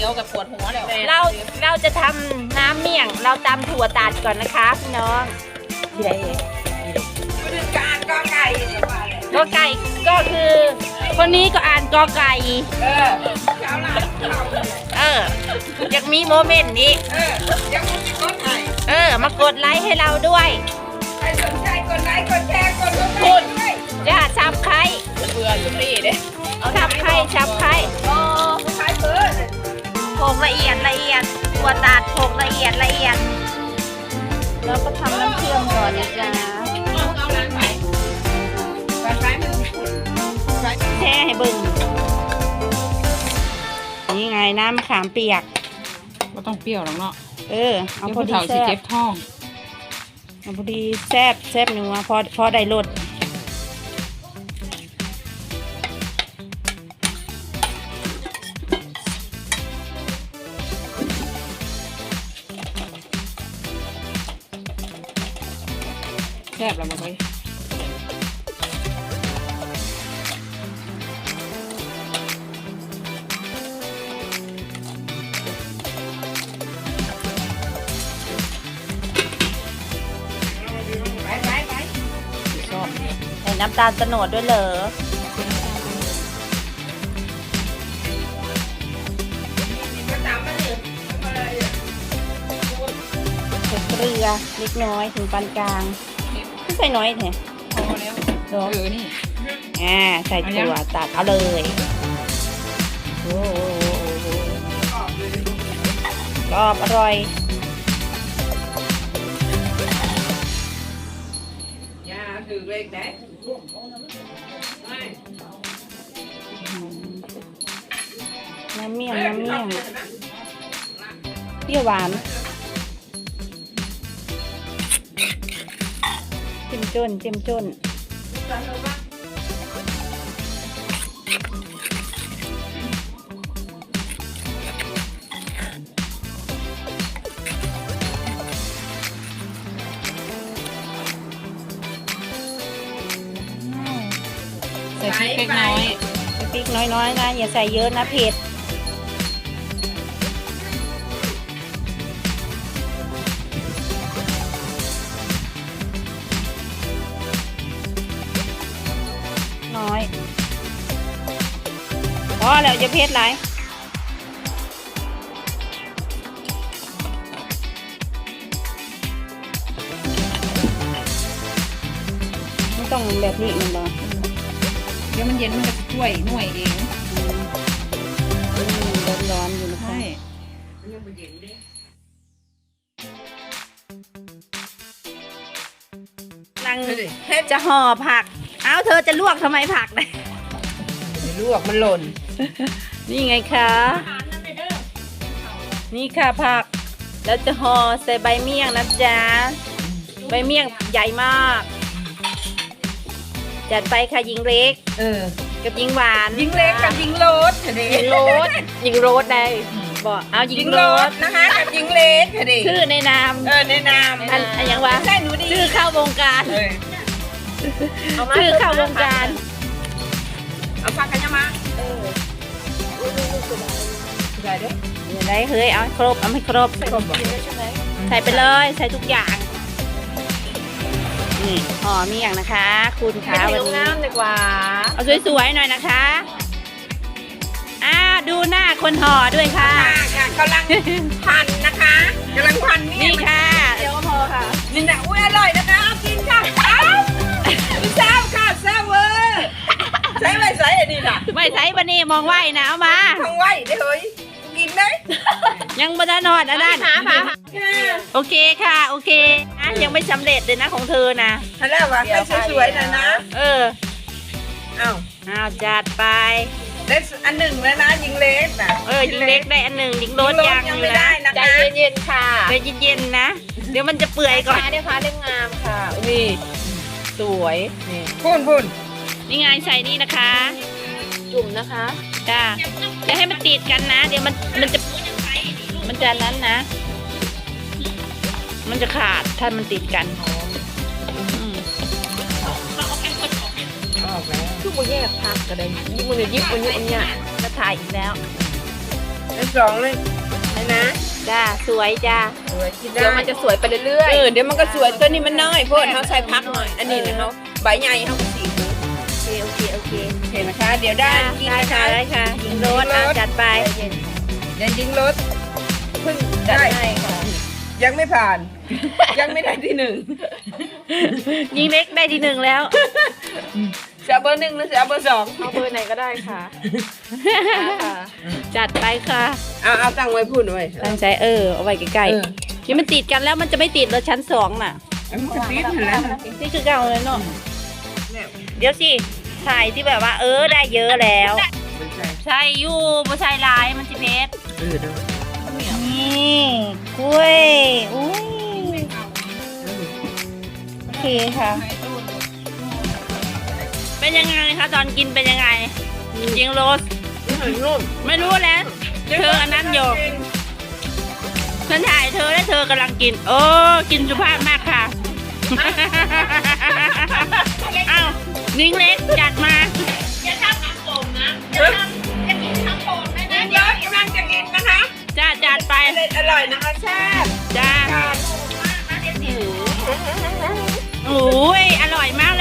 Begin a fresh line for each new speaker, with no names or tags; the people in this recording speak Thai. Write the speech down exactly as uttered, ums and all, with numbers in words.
ยวกับปวดหัวแล้ว
เราเราจะทำน้ำเมี่ยงเราตำถั่วตัดก่อนนะคะพี่น้องที่ไหนการกอไก่กอไก่ก็คือคนนี้ก็อ่านกอไก่เออเจ้าหลานเออยังมีโมเมนต์นี้เออยังมีกดไลค์เออมากดไลค์ให้เราด้วยใครสนใจกดไลค์กดแชร์กดติดตามด้วยจ้าซับใครเบื่อทุกทีเด้ซับใครซับใครโอ้ใครเบื่อโขกละเอียดละเอียดถั่วตัดโขกละเอียดละเอียดแล้วก็ทำน้ำเชื่อมก่อนนะจ๊ะแช่ให้บึงนี่ไงน้ำมะขามเปียก
ก็ต้องเปรี้ยวหรอกเนาะ
เออเอาพอดีแซ่บ
ท้อง
เอาพอดีแซ่บแซ่บหนึ่งมาพอพอได้รส
แซ่บแล้วมาไป
ใส่น้ำตาลโตนดด้วยเหรอใส่เกลือเล็กน้อยถึงปานกลางไม่ใส่น้อยแท้
พอแล้วเออนี่
อ่าใส่ถั่วตัดเอาเลยโอ้โหกรอบอร่อย
ยาถือเล็กได้
น้ำเมี่ยงน้ำเมี่ยงเปรี้ยวหวานเจ็มจนเจ็มจน
ใส่พริกเล็กน้อย
ใส่พริกน้อยๆนะอย่าใส่เยอะนะเผ็ดน้อยพอแล้วจะเผ็ดไรไม่ต้องแบบนี้มันหรอ
เดี๋ยวมันเย็นมันจะช่วยหน่วยเอง
ร้อนๆอยู่นะคะนั่งจะห่อผักเอ้าเธอจะลวกทำไมผักเนี่ย
ลวกมันหล่น
นี่ไงคะนี่ค่ะผักแล้วจะห่อใส่ใบเมี่ยงนะจ๊ะใบเมี่ยงใหญ่มากจัดไปค่ะยิงเล็ก
เออ
กับยิงหวาน
ยิงเล็กกับยิงโรส
ยิงโรสยิงโรสได้บอกเอายิงโรส
นะคะกับยิงเล็กค่ะดิ
ชื่อในนาม
เออในนาม
อันอันยังวะชื่อเข้าวงการชื่อเข้าวงการ
เอาฟังกันยังมาเออได้ด้วย
ได้เฮ้ยเอาครบเอาไม่ครบใส่ไปเลยใส่ทุกอย่างนี่ห่อเมี่ยงนะคะคุณขาวันนี้
ดีกว่า
เอาสวยๆหน่อยนะคะอ้าดูหน้าคนห่อด้วยค่ะ
กำลังพันนะคะกำลังพัน
นี่ค่ะ
เดี๋ยวพอค่ะนี่นะอุ้ยอร่อยนะคะกินค่ะอ้าวแซ่บค่ะแซ่บเวอร์ใช้ไม่ใส่อันนี้ค่ะ
ไม่ใส่บันนี้มองไหวนะเอามา
มองไหวได้เฮ้ยกินได้
ยังบันนอนอันนั้นโอเคค่ะโอเคนะยังไม่สำเร็จเลยนะของเธอนะ
ฮัลโหลวะให้สวยๆนะนะ
เออ
อ้าว
อ้าวจัดไป
ได้อันหนึ่งแล้วนะยิงเล็กนะ
เออยิงเล็กได้อันหนึ่งยิงโรสยัง
อยู่นะ
ใจเย็นๆค่ะใจเย็นๆนะเดี๋ยวมันจะเปื่อยก่อน
ได้ค่ะเล่มงามค่ะนี่สวยนี่พุ่นพุ่น
นี่ไงใส่นี่นะคะ
จุ่มนะคะ
จ้าจะให้มันติดกันนะเดี๋ยวมันมันจะมันจะนั้นนะมันจะขาดถ้ามันติดกัน
คือโมแยกพักก็ได้ยิ่งมันยิบมันเนี้ยอันเนี้ย
จะถ่ายอีกแล้ว
แล้วสองเลยนะ
จ้าสวยจ้า
สวยกินได้
เดี๋ยวมันจะสวยไปเรื่อย
เออเดี๋ยวมันก็สวยตัวนี้มันน้อยเพราะเขาใส่พักหน่อยอันนี้นะเขาใบใหญ่เขาก็สี
โอเคโอเคโอเค
เห็นไหมคะเดี๋ยวได้กิน
ได้
นะ
ค่ะ
คะ
ได้ค่ะยิงรถอ่ะจัดไป
เดี๋ยวยิงรถเพิ่ง
ๆจัด
ได้
ให้ค่ะ
ยังไม่ผ่าน ยังไม่ได้ที่หนึ่ง
ยิงเล็กได้ที่หนึ่งแล้ว
จะเอาเบอร์หนึ่งหรือจะเอาเบอร์สอง
เอาเบอร์ไหนก็ได้ค่ะค่ะ
จัดไปค่ะ
เอาเอาตั้งไว้พูดไว้
ตั้งใจเออเอาไว้ใกล้
เออ
ๆนี่มันติดกันแล้วมันจะไม่ติดเลยชั้นสองน่ะ
เอามันกระติ๊บเห็นแล้วนะ
นี่คือเก่าเลยเนาะ
เนี่ย
เดี๋ยวสิถ่ายที่แบบว่า เออได้เยอะแล้ว
มันใช่
ใช่อยู่บ่ใช่ลายมันสิเพชร
เออเนาะ
นี่กล้วยอุ้ยโอเคค่ะ เป็นยังไงคะตอนกินเป็นยังไงยิงโรส
นุ่ม
ไม่รู้แล้วเธออันนั้นอยู่ฉันถ่ายเธอและเธอกำลังกิน โอ้กินสุภาพมากค่ะ เอ้านิ้งเล็กจัดมา
ยิงรถกำลังจะกินนะคะ
จ้าจัดไป
อร่อยอร่อยนะคะแซ่บ
จ้าโอ้ยอร่อยมาก